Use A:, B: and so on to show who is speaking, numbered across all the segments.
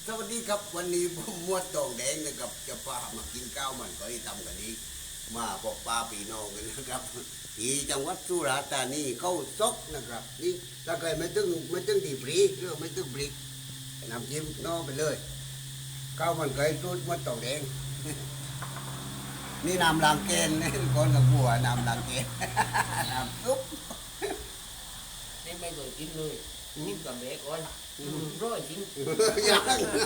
A: สวัสดีครับวันนี้ผมมวดตองแดงนะครับจะพามากินข้าวมันก็ได้ทำกันนี้มาพบปลาปีน้องกันนะครับที่จังหวัดสุราษฎร์ธานีเข้าซกนะครับนี่ถ้าใครไม่ตึงดีปรีหรือไม่ตึงปรีน้ำจิ้มน้องไปเลยข้าวมันไก่ตูดมวดตองแดงนี่น้ำล้างแกนคนกับบัวน้ำล้างแกนน้ำซุป
B: nên bây giờ chínเลยchín cầm bé con rồi chín
A: ยัง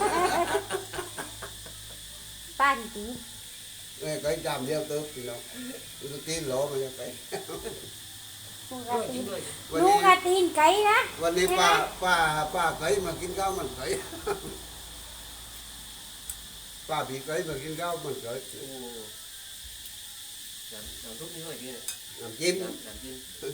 C: ป้าจริง
A: ไก่จามเดียวเติบพี่น้องตัวตีนโหลมันจะไป
C: ๆลูกกระ
B: rồi
C: ตี
B: chín
C: น
B: rồi
C: ลูกกระตีนไก่นะ
A: วันนี้ป้าไก่มากินข้าวมันไก่ ป้าผีไก่มากินข้าวมันไก่
B: làm thuốc như vậy kia này
A: น้ำจิ้ม
B: làm chín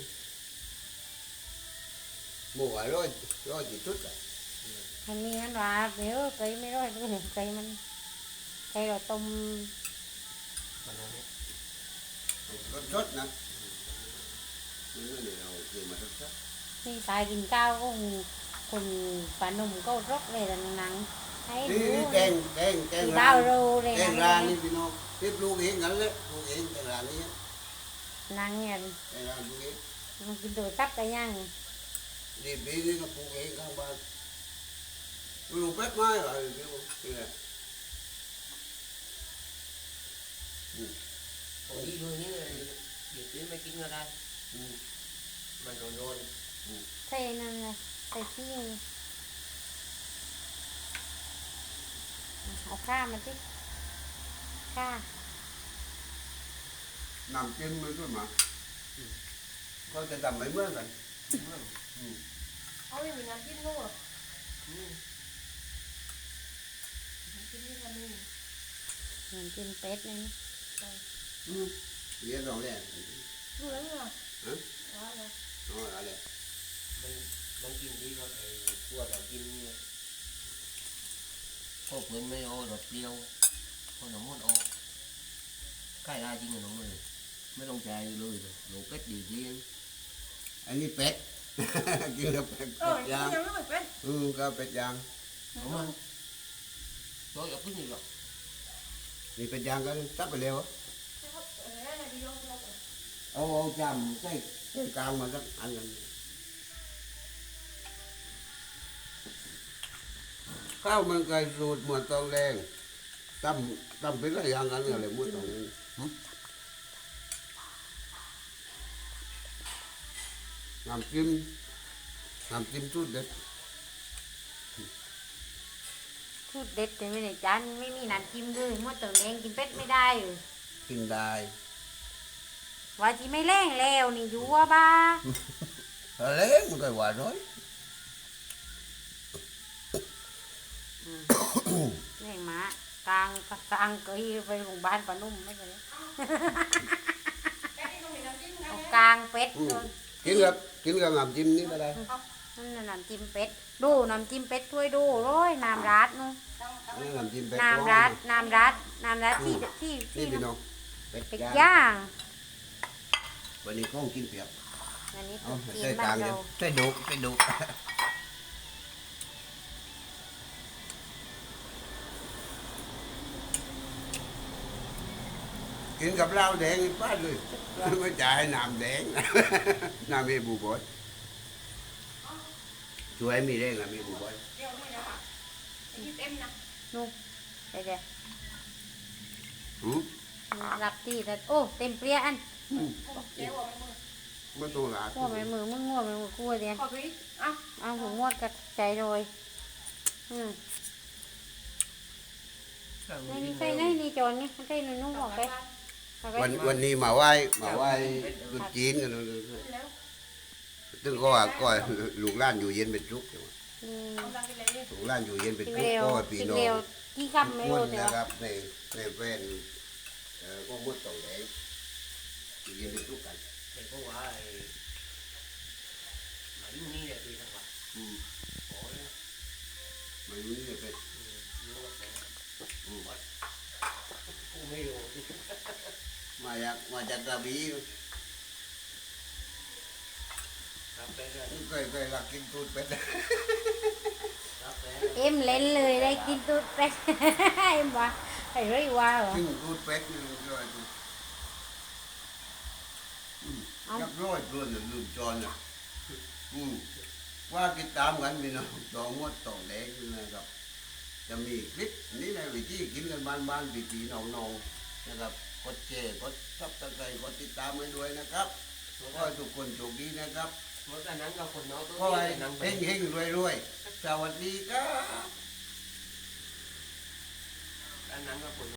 A: หมูร้อยจีชุดอะ
C: อันนี้มันว่าเดี๋ยวไก่ไม่ร้อยด้วยไก่มันไก่เราต้ม
B: mà nó này
A: รสชดนะนี่ก็เนี่ยเราคือมารสชด
C: นี่ตายกินข้าวก็คนปลาหนุ่มก็รกเลยแต่หนังให้ดู
A: นี่แกง
C: ที่ดาวโรเลย
A: แก
C: นะ
A: งร้านนี่พี่น้องที่ปลูกเองกันเลยปลูกเองแกงร้านนี้
C: หนังเนี่ย
A: แกงร้านปลูกเอง
C: มันกินตัวตับกันยัง
A: นี่ปีนี้ก็ปลูกเองข้างบ้านปลูกเป็ดไม้อะไรพี่น้องนี่แหละ
B: còn đi luôn như này việc đến mấy chín ra đây mà rồi
C: ใส่นั่นเลยใส่ที่เอาข้ามาสิข้า
A: น้ำจิ้มมันก็มาก็จะทำไม่เหมือนกัน
D: Ôi mình làm chín luôn à? Làm chín với làm gì?
C: เหมือนกินเป็ดเลยนะ
A: เรียนร้องเลย
D: Vui lắm à?
A: Hả?
D: Đó rồi.
A: อ๋ออะไร
B: bánh chín đi rồi cua làm chín có cuốn mấy ô đột tiêu con nó muốn ô cái ai chín nó mới mấy lông chài lười rồi đủ cách đi riêng
A: อันนี้เป็ด กินกับเป็ด
D: Rồi,
A: ย่าง
D: cái nhau nó phải quên.
A: ก็เป็ดย่าง
B: đúng không rồi gặp cái gì vậy
A: นี่เป็ดย่างก็ตับไปเร็ว
D: Cái hộp ở đây là đi vô vô.
A: เอาจำใส่กลางมาสักอันกันข้าวมันไก่สูตรหมวดตองแดงตั้มเป็นอะไรอย่างกันอะไรหมวดตองแดงน้ำจิ้มสูตรเด็ด
C: พูดเด็ดแต่ไม่ได้จานไม่มีน้ำจิ้มด้วยมดตัวแดงกินเป็ดไม่ได้เลย
A: กินได้
C: ว่าจีไม่แรงแล้วนี่อยู่ว่าบ้า
A: อะไรมันก็หวานน้อย
C: แรงหมากลางเกยไปโรงพยาบาลปะนุ่มไม่ใช่
D: Cái đi không mình làm chín
C: เอา
D: ngay
C: กลางเป็ด
A: อืม
C: เลย
A: กินกับน้ำจิ้มนี่ก็ได้
C: นั่นน่ะน้ำจิ้มเป็ดดูน้ำจิ้มเป็ดถ้วยดูร้อยน้ำราดนู่น
A: อันนี้น้ำจิ้มเป็ด
C: น้ำราดที่
A: นี่พี่น้องเป็ด
C: เป็ด
A: ย่าง
C: ย่าง
A: วันนี้ก้องกินเปียก
C: อันนี้
A: เอา
C: ตุ๊กกิน
A: ใส่
C: บ้าก
A: ลาง
C: น
A: เนี่
C: เรา
A: ยใส่ดุกินกับเหล้าแดงป้าดเลยไม่จ่ายน้ำแดง น้ำมีบุบอยช่วยมีแรงอะมีบุบอย
D: Đeo đây đó hả? Cái giúp em nè.
C: นู่นเดี๋ยว
A: หืม
C: รับที่แต่โอ้เต็มเปรี้ยอัน
D: Không, kéo vào mày mưa.
A: ไม่ต้องลา
C: งัวไปมือมึงงัวไปมือกูเดียน
D: Có phí. À,
C: เอาหัวงวดกับใจโรยนี่ใส่ไหนนี่จอนนี่ใส่นุ่งออกไป
A: วันนี้มาไหว้ตุ๊จีนกันเลย
D: léo.
A: ตึงก็ว่าก็ลูกหล้านอยู่เย็นเป็นทุกข์
D: Ông ra cái lấy đi.
A: ลูกหล้านอยู่เย็นเป็น
C: กิน
A: ทุกข์
C: เร็ว
A: ก็พี่
C: กิน
A: น้อ
C: เร็
A: ง
C: วกี่คำไม่
A: มุ่
C: รู้
A: น
C: แต่
A: นะค
C: ว่า
A: รับในแฟนก็มุดตรงไหนอยู่เย็นเป็นทุกข์กัน
B: thì có quả mấy ni là tùy thằng bạn
A: อืม
B: có đấy
A: ไม่รู้นี่เป็น
B: nó có
A: อืม
B: cũng mấy đồ
A: มาจากกระบี่
B: làm cái ra
A: เคยรักกินตูดเป็ด
B: có
C: em lênเลยได้กินตูดเป็ด emว่าไอ้เรื่อยว่าเหรอ
A: ซึ่งรูดเป็ดนี่ด้วยยักร้อยตัวหนึ่งลืมจอนอ่ะว่าติดตามกันพี่น้องตองมดตองแดงนี่นะครับ จะมีคลิปนี้ในวิธีกินกันบ้านๆปีๆน้องๆนะครับกดแชร์กดซับสไครต์กดติดตามไว้ด้วยนะครับขอให้ทุกคนโชคดีนะครับ
B: เมื่อกันนั้นก็คนน้องตัว
A: ขอให้
B: นี้นั่งไป
A: เฮงๆรวยๆสวัสดีครับ
B: อันนั้นก็คน